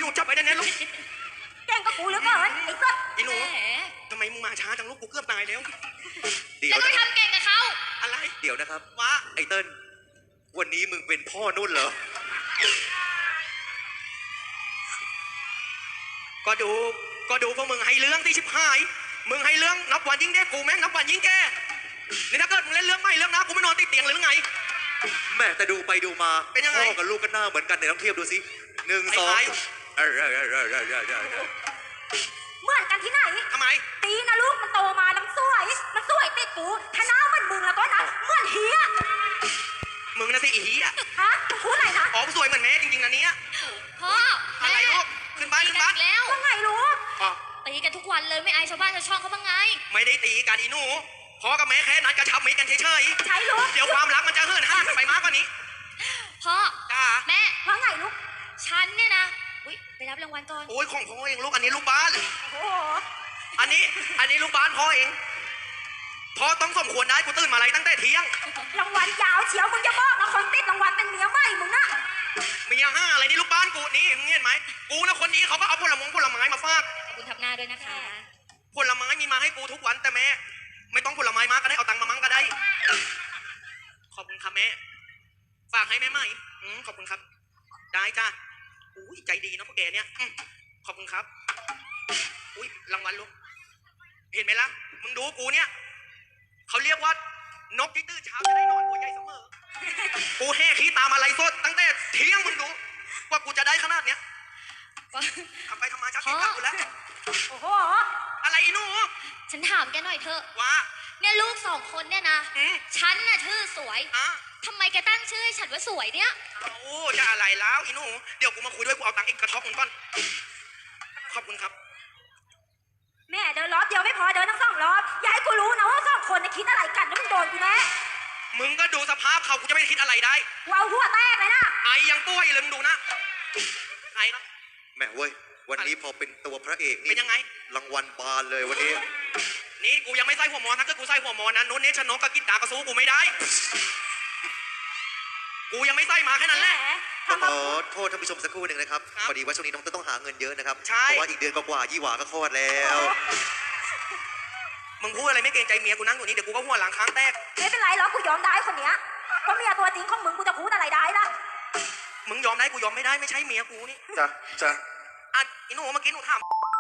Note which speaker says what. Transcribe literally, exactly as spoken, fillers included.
Speaker 1: หนูจับไปแน่ๆลูก
Speaker 2: แกงกับกูเหลือเกินไอ้สัส
Speaker 1: อีหนูทำไมมึงมาช้าจังลูกกูเกือบตายแล้ว
Speaker 3: เดี๋ยว
Speaker 4: แล้วก็ทำเก่งกับเขา
Speaker 1: อะไร
Speaker 3: เดี๋ยวนะครับ
Speaker 1: ว่า
Speaker 3: ไอ้เติ้ลวันนี้มึงเป็นพ่อนุ่นเหรอ
Speaker 1: ก็ดูก็ดูพวกมึงให้เรื่องที่ชิบหายมึงให้เรื่องนับวันยิ่งเด็กกูแม่งนับวันยิ่งแก่นี่ถ้าเกิดมึงเล่นเรื่องไม่เรื่องนะกูไม่นอนติดเตียงเลยหรือไง
Speaker 3: แม่แต่ดูไปดูมา
Speaker 1: เป็นยังไง
Speaker 3: พ่อกับลูกกันหน้าเหมือนกันเนี่ยต้องเทียบดูสิหนึ่งสองเออเออเออเออเออเออ
Speaker 2: เหมือนกันที่ไหน
Speaker 1: ทำไม
Speaker 2: ตีนะลูกมันโตมามันสวยมันสวยติดกูถ้าหน้าเหมือนมึงแล้วก็นะเหมือนเฮีย
Speaker 1: มึงนะสิอีฮีอะ
Speaker 2: ฮะมึงพูดอะไรนะ
Speaker 1: อ๋อสวยเหมือนแม่จริงๆนะเนี้ย
Speaker 4: พ่อ
Speaker 1: อะไรลูกขึ้นบ้านขึ้นบ้าน
Speaker 4: แล้ว
Speaker 2: ว่าไงลูก
Speaker 4: ตีกันทุกวันเลยไม่อายชาวบ้านชาวช่องเขาบ้างไง
Speaker 1: ไม่ได้ตีกันอีหนูพ่อกับแม่แค่นัดกระชับมิตรกันเฉย
Speaker 2: ๆใช่ลูก
Speaker 1: เดี๋ยวความรักมันจะเหินห่างกันไปมากกว่านี้
Speaker 4: พ่อ
Speaker 1: จ้า
Speaker 4: แม่
Speaker 2: ว่าไงลูก
Speaker 4: ฉันเนี่ยนะอุ้ยไปรับรางวัลก่อน
Speaker 1: โอ้ยของพ่อเองลูกอันนี้ลูกบ้าน
Speaker 2: โอ้
Speaker 1: อันนี้อันนี้ลูกบ้านพ่อเองพ่อต้องสมควรได้กูตื่นมาอะไรตั้งแต่เที่ยง
Speaker 2: รางวัลยาวเฉียวมึงจะบอกนะคนติดรางวัลเป็นเมียใหม่มึงนะ
Speaker 1: เมียห้าอะไรนี่ลูกบ้านกูนี่มึงเห็นไหมกูนะคนนี้เขาก็เอาผลไม้ผลไม้มาฝาก
Speaker 4: ขอบคุณทับหน้าด้วยนะคะ
Speaker 1: ผลไม้มีมาให้กูทุกวันแต่แม่ไม่ต้องผลไม้มากก็ได้เอาตังค์มามั่งก็ได้ขอบคุณครับแม่ฝากให้แม่ใหม่ขอบคุณครับได้จ้าอุ้ยใจดีนะพวกแกเนี่ยขอบคุณครับอุ้ยรางวัลลูกเห็นไหมล่ะมึงดูกูเนี่ยเขาเรียกว่านกที่ตื่นเช้าจะได้นอนหัวใหญ่เสมอกูแห่ขี้ตามอะไรสดตั้งแต่เที่ยงมึงดูว่ากูจะได้ขนาดเนี้ยทำไปทำมาชักเก็บกับกูแล้ว
Speaker 2: โอ้โห
Speaker 1: อะไรอีหนู
Speaker 4: ฉันถามแกหน่อยเถอะ
Speaker 1: ว่า
Speaker 4: เนี่ยลูกสองคนเนี่ยนะฉันน่ะชื่อสวยทำไมแกตั้งชื่อให้ฉันว่าสวยเนี่ย
Speaker 1: โอ้จะอะไรแล้วอีหนูเดี๋ยวกูมาคุยด้วยกูเอาตังค์อีกกระทบมึงก่อนขอบคุณครับ
Speaker 2: แม่เดินรอบเดียวไม่พอเดินทั้งสองรอบอย่าให้กูรู้นะว่าสองคนเนี่ยคิดอะไรกันแล้วมึงโดนกูแน่
Speaker 1: มึงก็ดูสภาพเขากูจะไม่คิดอะไรได้
Speaker 2: ว้าวหัวแตกเลยนะ
Speaker 1: ไอยังป่วยเลยมึงดูนะไอนะ
Speaker 3: แม่เว้ยวันนี้พอเป็นตัวพระเอกนี่
Speaker 1: เป็นยังไง
Speaker 3: รางวัลบานเลยวันนี้
Speaker 1: นี่กูยังไม่ใส่หัวมอนถ้าเกิดกูใส่หัวมอนนะโน้นเนชนกกับกิตตากระซูกูไม่ได้กูยังไม่ใส่มาแค่นั้นแหละ
Speaker 3: ขอโทษท่านผู้ชมสักครู่หนึ่งนะครับพอดีว่าช่วงนี้น้องต้องหาเงินเยอะนะครับเพราะว่าอีกเดือนกว่ายี่หวาก็คลอดแล้ว
Speaker 1: มึงพูดอะไรไม่เกรงใจเมียกูนั่งอยู่นี่เดี๋ยวกูก็หัวหลังค้างแตก
Speaker 2: ไม่เป็นไรหรอกกูยอมได้คนเนี้ยก็เมียตัวจริงของมึงกูจะพูดอะไรได้ล่ะ
Speaker 1: มึงยอมได้กูยอมไม่ได้ไม่ใช่เมียกูนี่
Speaker 3: จ้ะจ้ะ
Speaker 1: อ่ะอีหนูเมื่อกี้หนูถาม